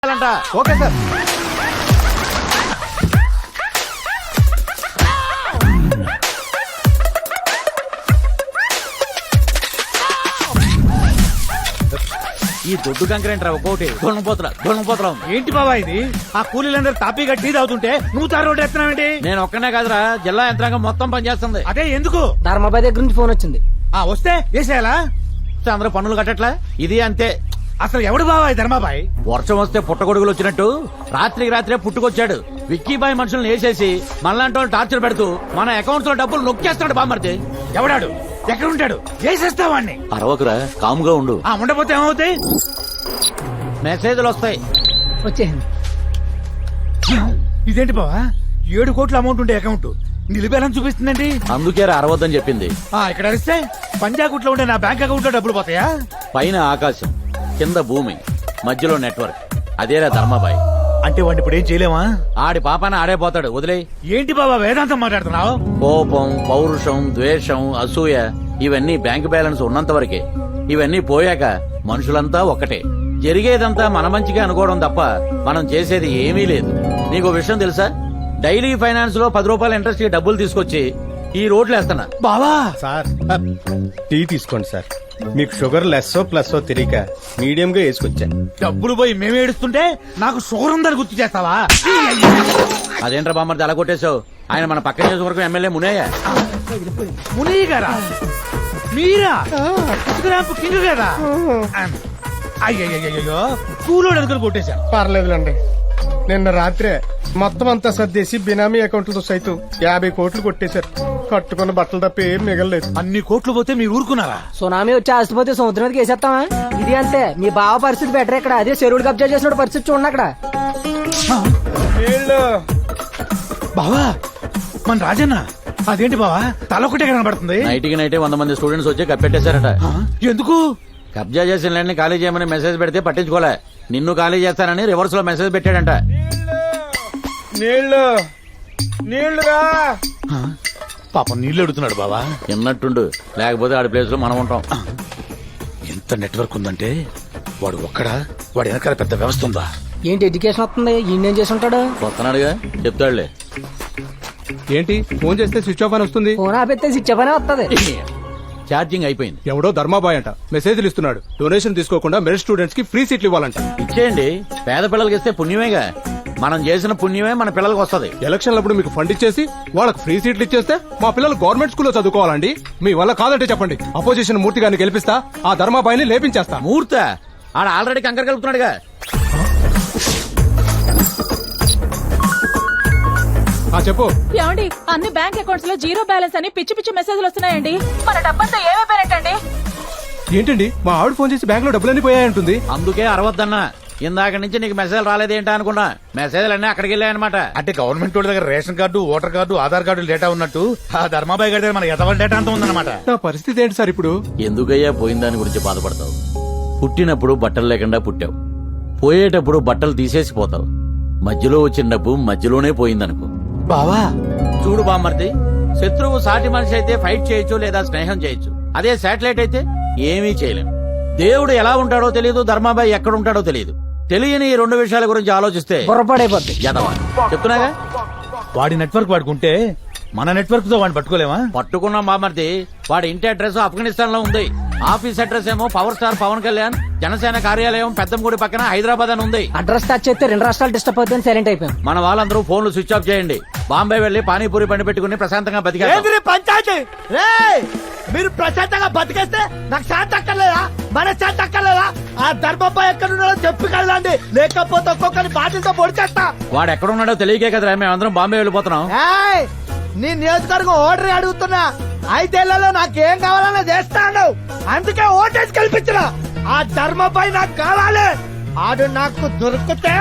Okay sir. ఈ దొడ్డు కంకరేంట్రా ఒక్కోటి దొంగపోతరా ఏంటి బాబా ఇది? ఆ కూలీలందరూ తాపీగా టీ తాగుతుంటే నువ్వు తారు రోడ్డు ఎత్తున్నావేంటి? నేను ఒక్కనే కాదురా, జిల్లా యంత్రాంగం మొత్తం పనిచేస్తుంది. అదే ఎందుకు? ధర్మాబాయ్ దగ్గర నుంచి ఫోన్ వచ్చింది. వస్తే వేసేయాలా? అందరూ పన్నులు కట్టట్లా, ఇది అంతే. అసలు ఎవడు బాబా ఈ ధర్మాబాయ్? వర్షం వస్తే పుట్టగొడుగులు వచ్చినట్టు రాత్రికి రాత్రే పుట్టుకొచ్చాడు. విక్కీబాయ్ మనుషులను వేసేసి మనలాంటి వాళ్ళు టార్చర్ పెడుతూ మన అకౌంట్స్ లో డబ్బులు నొక్కేస్తాడు బామ్మర్ది. ఎవడాడు? ఎక్కడ ఉంటాడు? వేసేస్తావాడిని. అరవకురా, కాముగా ఉండు. ఉండపోతే ఏమవుతాయి? మెసేజ్లు వస్తాయి. వచ్చేసింది. ఇదేంటి బావా, 7 కోట్ల అమౌంట్ ఉండే అకౌంట్ నిలిపేయాలని చూపిస్తుందండి. అందుకే అరవద్దని చెప్పింది. ఇక్కడ అరిస్తే పంజాగుట్లో ఉండే నా బ్యాంక్ అకౌంట్ లో డబ్బులు పోతాయా? పైన ఆకాశం, కింద భూమి, మధ్యలో నెట్వర్క్. అదేరా ధర్మాబాయ్. అంటే వాడిని ఇప్పుడు ఏం చేయలేమా? ఆడి పాపాన ఆడే పోతాడు, వదిలే. ఏంటి బాబా వేదాంతం మాట్లాడుతున్నావు? కోపం, పౌరుషం, ద్వేషం, అసూయ ఇవన్నీ బ్యాంక్ బ్యాలెన్స్ ఉన్నంత వరకే. ఇవన్నీ పోయాక మనుషులంతా ఒక్కటే. జరిగేదంతా మన మంచిగా అనుకోవడం తప్ప మనం చేసేది ఏమీ లేదు. నీకు విషయం తెలుసా? డైలీ ఫైనాన్స్ లో 10 రూపాయల ఇంట్రెస్ట్ కి డబ్బులు తీసుకొచ్చి ఈ రోడ్లు వేస్తున్నా. బావా సార్ టీ తీసుకోండి సార్. మీకు షుగర్ లెస్సో ప్లస్సో తెలియక మీడియం గా వేసుకొచ్చా. డబ్బులు పోయి మేము ఏడుస్తుంటే నాకు షుగర్ ఉందని గుర్తు చేస్తావా? అదేంట్రా బామ్మర్ది అలా కొట్టేశావు? ఆయన మన పక్క నియోజకవర్గం ఎమ్మెల్యే మునయ్య. మునయ్య గారా? మీరా? ఇసుకరాంపు కింగ్ కదా? అయ్యయ్యో కూలోడు అనుకుని కొట్టేశాను. పర్లేదులండి. నిన్న రాత్రే మొత్తం అంతా సర్దేసి బినామీ అకౌంట్లతో సైతం 50 కోట్లు కొట్టేశారు. కట్టుకున్న బట్టలు తప్ప ఏం మిగలలేదు. అన్ని కోట్లు పోతే మీరు ఊరుకున్నారా? సునామీ వచ్చి ఆస్తిపోతే సముద్రం మీదకి వేసేస్తావా? ఇది అంతే. మీ బావ పరిస్థితి బెటర్ ఇక్కడ. అదే చెరువుడు కబ్జా చేసిన పరిస్థితి చూడండి అక్కడ. బావా మన రాజన్న అదేంటి బావా తలొకటే కనబడుతుంది? నైట్కి నైటే 100 మంది స్టూడెంట్స్ వచ్చి కప్పెట్టేశారట. ఎందుకు? కబ్జా చేసిన ల్యాండ్ ఖాళీ చేయమని మెసేజ్ పెడితే పట్టించుకోలే. నిన్ను ఖాళీ చేస్తానని రివర్స్ లో మెసేజ్ పెట్టాడంట. నీళ్లుగా పాపం నీళ్లు అడుగుతున్నాడు బావా. ఎన్నట్టుండు, లేకపోతే ఆడి ప్లేస్ లో మనం ఉంటాం. ఎంత నెట్వర్క్ ఉందంటే వాడు ఒక్కడా? వాడి వెనకాల పెద్ద వ్యవస్థ ఉందా? ఏంటి ఎడ్యుకేషన్ వస్తుంది? ఈయన చేసి ఉంటాడు. వస్తున్నాడుగా, చెప్తాడులే. ఏంటి ఫోన్ చేస్తే స్విచ్ ఆఫ్ అని వస్తుంది? ఫోన్ ఆపితే ఇచ్చపనే వస్తుంది. ఛార్జింగ్ అయిపోయింది. ఎవడో ధర్మాబాయ్ అంట మెసేజ్లు ఇస్తున్నాడు. డొనేషన్ తీసుకోకుండా మెరిట్ స్టూడెంట్స్ కి ఫ్రీ సీట్లు ఇవ్వాలంట. ఇచ్చేయండి, పేద పిల్లలకి ఇస్తే పుణ్యమేగా. మనం చేసిన పుణ్యమే మన పిల్లలకు వస్తుంది. ఎలక్షన్లప్పుడు మీకు ఫండ్ ఇచ్చేసి వాళ్ళకి ఫ్రీ సీట్లు ఇచ్చేస్తే మా పిల్లలు గవర్నమెంట్ స్కూల్లో చదువుకోవాలండి. మీ వల్ల కాదంటే చెప్పండి, అపోజిషన్ మూర్తి గారిని గెలిపిస్తా, ఆ ధర్మాబాయిని లేపించేస్తా. మూర్త ఆడ ఆల్రెడీ కంకర కలుపుతున్నాడుగా. చెప్పు. ఏమండి, అన్ని బ్యాంక్ అకౌంట్స్ లో జీరో బ్యాలెన్స్ అని పిచ్చి పిచ్చి మెసేజ్లు వస్తున్నాయండి. మన డబ్బంతా ఏమైపోయినట్టండి? ఏంటండి మా ఆవిడ ఫోన్ చేసి బ్యాంక్ లో డబ్బులన్నీ పోయాయంటుంది. అందుకే అరవద్దన్నా. ఇందాక నుంచి నీకు మెసేజ్ రాలేదేంటా అనుకున్నా. మెసేజ్లు అన్నీ అక్కడికి వెళ్ళాయన్నమాట. అంటే గవర్నమెంట్ వాళ్ళ దగ్గర ration card, voter card, Aadhaar card data ఉన్నట్టు ఆ ధర్మాబాయ్ గారి దగ్గర మన ఎదవల డేటా అంతా ఉందన్నమాట. నా పరిస్థితి ఏంటి సార్ ఇప్పుడు? ఎందుకయ్యా పోయిన దాని గురించి బాధపడతావు? పుట్టినప్పుడు బట్టలు లేకుండా పుట్టావు, పోయేటప్పుడు బట్టలు తీసేసి పోతావు. మధ్యలో వచ్చిన డబ్బు మధ్యలోనే పోయిందనుకో. బావా చూడు బామ్మర్ది, శత్రువు సాటి మనిషి అయితే ఫైట్ చేయొచ్చు లేదా స్నేహం చేయొచ్చు. అదే శాటిలైట్ అయితే ఏమీ చేయలేం. దేవుడు ఎలా ఉంటాడో తెలియదు, ధర్మాబాయ్ ఎక్కడ ఉంటాడో తెలియదు. తెలియని ఈ 2 విషయాల గురించి ఆలోచిస్తే పొరపాడైపోద్ది. యదవా చెప్తున్నాగా. వాడి నెట్వర్క్ వాడుకుంటే మన నెట్వర్క్ తో వాడిని పట్టుకోలేమా? పట్టుకున్నాం బామ్మర్ది. వాడి ఇంటి అడ్రస్ ఆఫ్ఘనిస్తాన్ లో ఉంది. ఆఫీస్ అడ్రస్ ఏమో పవర్ స్టార్ పవన్ కళ్యాణ్ జనసేన కార్యాలయం పెద్దంగుడి పక్కన హైదరాబాద్ అని ఉంది. అడ్రస్ టచ్ చేస్తే 2 రాష్ట్రాలు డిస్టర్బ్ అవుతుంది. సైలెంట్ అయిపోయాం. మన వాళ్ళందరూ ఫోన్లు స్విచ్ ఆఫ్ చేయండి. బాంబే వెళ్లి పానీపూరి బండి పెట్టుకుని ప్రశాంతంగా బతికారు. పంచాయతీ మీరు ప్రశాంతంగా బతికేస్తే నాకు శాంతి అక్కర్లేదా? మన శాంతి అక్కర్లేదా? ఆ ధర్మబాయ్ ఎక్కడున్నాడో చెప్పగలండి, లేకపోతే ఒక్కొక్కరి బాధ్యతతో పొడిచేస్తా. వాడు ఎక్కడున్నాడో తెలియకే కదరా మేమందరం బాంబే వెళ్ళిపోతున్నాం. నీ నియోజకవర్గం ఓటరీ అడుగుతున్నా. 5 ఏళ్లలో నాకేం కావాలన్నా చేస్తాను. అందుకే ఓటేసి కల్పించిన ఆ ధర్మబాయ్ నాకు కావాలి. ఆడు నాకు దొరికితే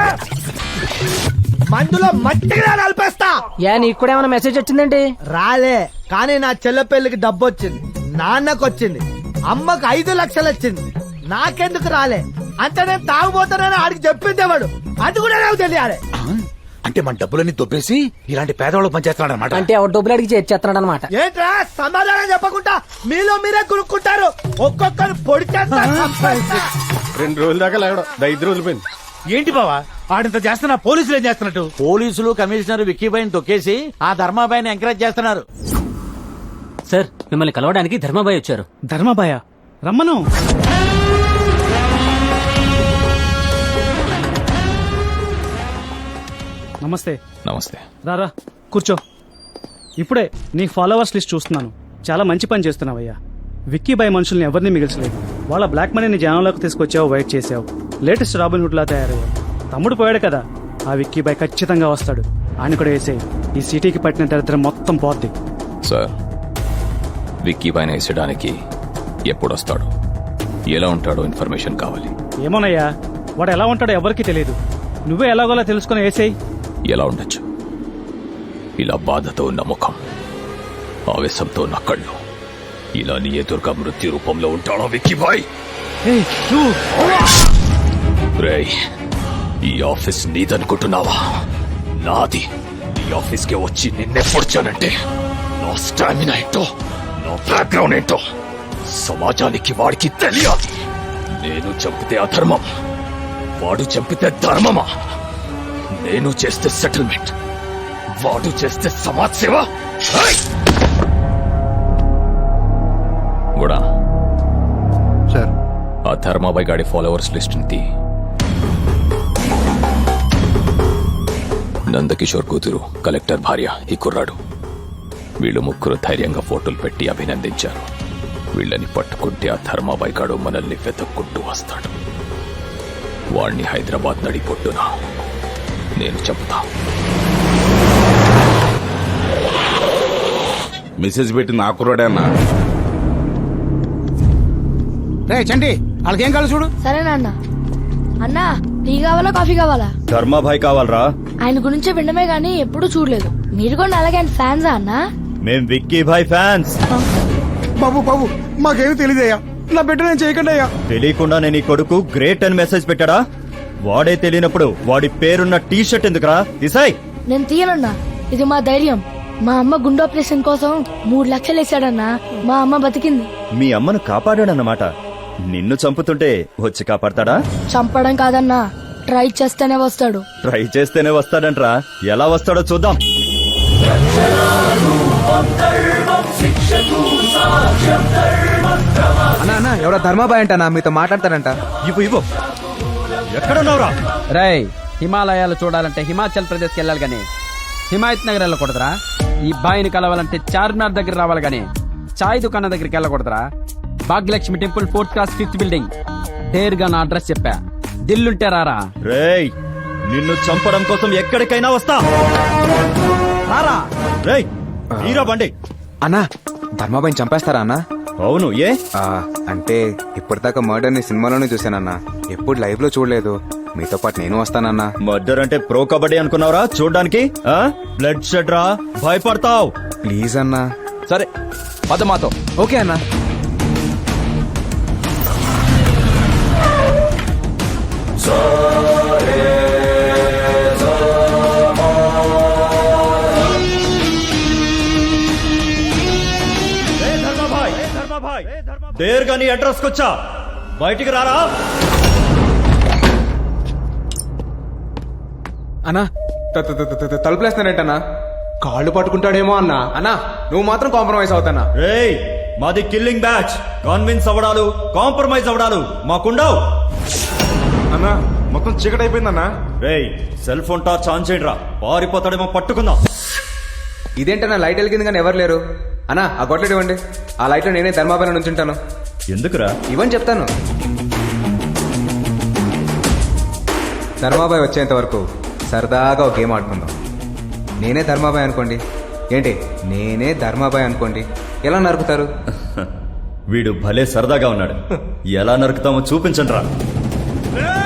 మందులో మట్టిగా నలిపేస్తా. నీకు కూడా ఏమైనా మెసేజ్ వచ్చిందండి? రాలే, కానీ నా చెల్ల పెళ్లికి డబ్బు వచ్చింది, నాన్నకు వచ్చింది, అమ్మకు 5 లక్షలు వచ్చింది. నాకెందుకు రాలే? అంటే నేను తాగుపోతానని ఆడికి చెప్పిందేవాడు. అది కూడా నాకు తెలియాలి. అంటే మన డబ్బులన్నీ దొబ్బేసి ఇలాంటి పేదవాళ్ళకి పనిచేస్తున్నాడు అనమాట. అంటే ఎవరు డబ్బులు అడిగి చేస్తున్నాడు అనమాట. ఏంట్రా సమాధానం చెప్పకుండా మీలో మీరే కొనుక్కుంటారు. ఒక్కొక్కరు పొడి చేస్తా. 2 రోజుల దాకా లేవడం 5 రోజులు పోయింది. ఏంటి బావా ఆడింత చేస్తున్నా పోలీసులు ఏం చేస్తున్నట్టు? పోలీసులు కమిషనర్ విక్కీబాయిని తొక్కేసి ఆ ధర్మాబాయిని ఎంకరేజ్ చేస్తున్నారు. సార్ మిమ్మల్ని కలవడానికి ధర్మాబాయ్ వచ్చారు. ధర్మాబాయ రమ్మను. నమస్తే. నమస్తే. రారా కూర్చో. ఇప్పుడే నీ ఫాలోవర్స్ లిస్ట్ చూస్తున్నాను. చాలా మంచి పని చేస్తున్నావయ్యా. విక్కీ బాయ్ మనుషుల్ని ఎవరిని మిగిల్చలేదు. వాళ్ళ బ్లాక్ మనీని జనంలోకి తీసుకొచ్చావు, వైట్ చేసావు. లేటెస్ట్ రాబిన్ హుడ్ లా తయారయ్యావు. తమ్ముడు పోయాడు కదా, ఆ విక్కీ బాయ్ ఖచ్చితంగా వస్తాడు. ఆయన కూడా వేసేయి. ఈ సిటీకి పట్టిన దరిద్రం మొత్తం పోద్ది. సార్, విక్కీ పైన వేసడానికి ఎప్పుడొస్తాడు, ఎలా ఉంటాడో ఇన్ఫర్మేషన్ కావాలి. ఏమోనయ్యా, వాడు ఎలా ఉంటాడో ఎవరికీ తెలియదు. నువ్వే ఎలాగోలా తెలుసుకుని వేసేయి. ఎలా ఉండొచ్చు? ఇలా బాధతో ఉన్న ముఖం, ఆవేశంతో ఉన్న కళ్ళు, ఇలా నీ ఎదురుగా మృత్యు రూపంలో ఉంటాడో విక్కీ బాయ్? ఏయ్, నువ్వు రేయ్, ఈ ఆఫీస్ నీదనుకుంటున్నావా? నాది. నీ ఆఫీస్కి వచ్చి నిన్నే పొడిచానంటే నా స్టామినా ఏంటో, నా బ్యాక్గ్రౌండ్ ఏంటో సమాజానికి వాడికి తెలియాలి. నేను చంపితే అధర్మం, వాడు చంపితే ధర్మమా? నేను చేస్తే సెటిల్మెంట్, వాడు చేస్తే సమాజ్ సేవ. కూడా సార్, ఆ ధర్మాబాయ్ గాడి ఫాలోవర్స్ లిస్ట్ తీ. నందకిషోర్ కూతురు, కలెక్టర్ భార్య ఈ కుర్రాడు. వీళ్ళు ముగ్గురు ధైర్యంగా ఫోటోలు పెట్టి అభినందించారు. వీళ్ళని పట్టుకుంటే ఆ ధర్మాబాయ్ గాడు మనల్ని వెతుక్కుంటూ వస్తాడు. వాణ్ణి హైదరాబాద్ నడిపొట్టున నేను చెప్తా. మెసేజ్ పెట్టి నా కుర్రాడే అన్నా. రే చండి, వాళ్ళకేం కావాలి చూడు. సరేనా అన్న. అన్నా, టీ కావాలా కాఫీ కావాలా? ధర్మాభాయ్ కావాలరా? ఆయన గురించి వినడమే గానీ ఎప్పుడూ చూడలేదు. మీరు కూడా అలాగే ఆయన ఫ్యాన్సా అన్నా? మేం విక్కీ భాయ్ ఫ్యాన్స్. బాబు బాబు మాకేమీ తెలియదయ్యా, నా బిడ్డ నేను చేయకండి అయ్యా. తెలియకుండా నేను ఈ కొడుకు గ్రేట్ అని మెసేజ్ పెట్టాడా? వాడే తెలియనప్పుడు వాడి పేరున్న టీ షర్ట్ ఎందుకురా? తీసాయ్. నేను తీయనన్నా, ఇది మా ధైర్యం. మా అమ్మ గుండె ఆపరేషన్ కోసం 3 లక్షలు వేసాడన్నా. మా అమ్మ బతికింది. మీ అమ్మను కాపాడాడన్నమాట. నిన్ను చంపుతుంటే వచ్చి కాపాడతాడా? చంపడం కాదన్నా, ట్రై చేస్తేనే వస్తాడు. ట్రై చేస్తేనే వస్తాడంట్రా. ఎలా వస్తాడో చూద్దాం. అన్నా ఎవరో ధర్మాబాయ్ అంట మీతో మాట్లాడతాడంట. ఇవ్వు. ఎక్కడున్నావురా? రై, హిమాలయాలు చూడాలంటే హిమాచల్ ప్రదేశ్ కి వెళ్ళాలి గానీ హిమాయత్ నగర్ వెళ్ళకూడదురా. ఈ బాయిని కలవాలంటే చార్మినార్ దగ్గర రావాలి గానీ చాయ్ దుకాణం దగ్గరికి వెళ్ళకూడదురా. Bhagyalakshmi temple 4th class 5th building. డేర్గా నా అడ్రస్ చెప్పా, దిల్లుంటే రారా. రేయ్, నిన్ను చంపడం కోసం ఎక్కడికైనా వస్తా. రారా. రేయ్, తీరా బండి. అన్నా, ధర్మాబాయిని చంపేస్తారా అన్నా? అవును. ఏ అంటే ఇప్పటిదాకా మర్డర్ ని సినిమాలోనే చూసానన్నా, ఎప్పుడు లైవ్ లో చూడలేదు. మీతో పాటు నేను వస్తానన్నా. మర్డర్ అంటే ప్రో కబడ్డీ అనుకున్నావురా చూడ్డానికి? బ్లడ్ షెడ్ రా, భయపడతావు. ప్లీజ్ అన్నా. సరే పద మాతో. ఓకే అన్నా. దేర్గా నీ అడ్రస్ కొచ్చా, బయటికి రారా. అన్నా, తలుపులేస్తానంటన్నా. కాళ్ళు పట్టుకుంటాడేమో అన్నా. అన్నా, నువ్వు మాత్రం కాంప్రమైజ్ అవుతానా? రేయ్, మాది కిల్లింగ్ బ్యాచ్. కాన్విన్స్ అవడాలు, కాంప్రమైజ్ అవడాలు మాకుండవు. అన్నా మొత్తం చీకటి అయిపోయిందన్నా. రేయ్, సెల్ ఫోన్ టార్చ్ ఆన్ చేయండి రా, పారిపోతాడేమో పట్టుకుందాం. ఇదేంటన్నా లైట్ వెలిగింది కానీ ఎవరు లేరు. అన్నా, ఆ గొడ్లెట్ ఇవ్వండి. ఆ లైట్ లో నేనే ధర్మాబాయి నుంచి ఉంటాను. ఎందుకురా? ఇవ్వని చెప్తాను. ధర్మాబాయ్ వచ్చేంత వరకు సరదాగా ఒక గేమ్ ఆడుకుందాం. నేనే ధర్మాబాయ్ అనుకోండి. ఏంటి, నేనే ధర్మాబాయ్ అనుకోండి. ఎలా నరుకుతారు? వీడు భలే సరదాగా ఉన్నాడు. ఎలా నరుకుతామో చూపించండి రా.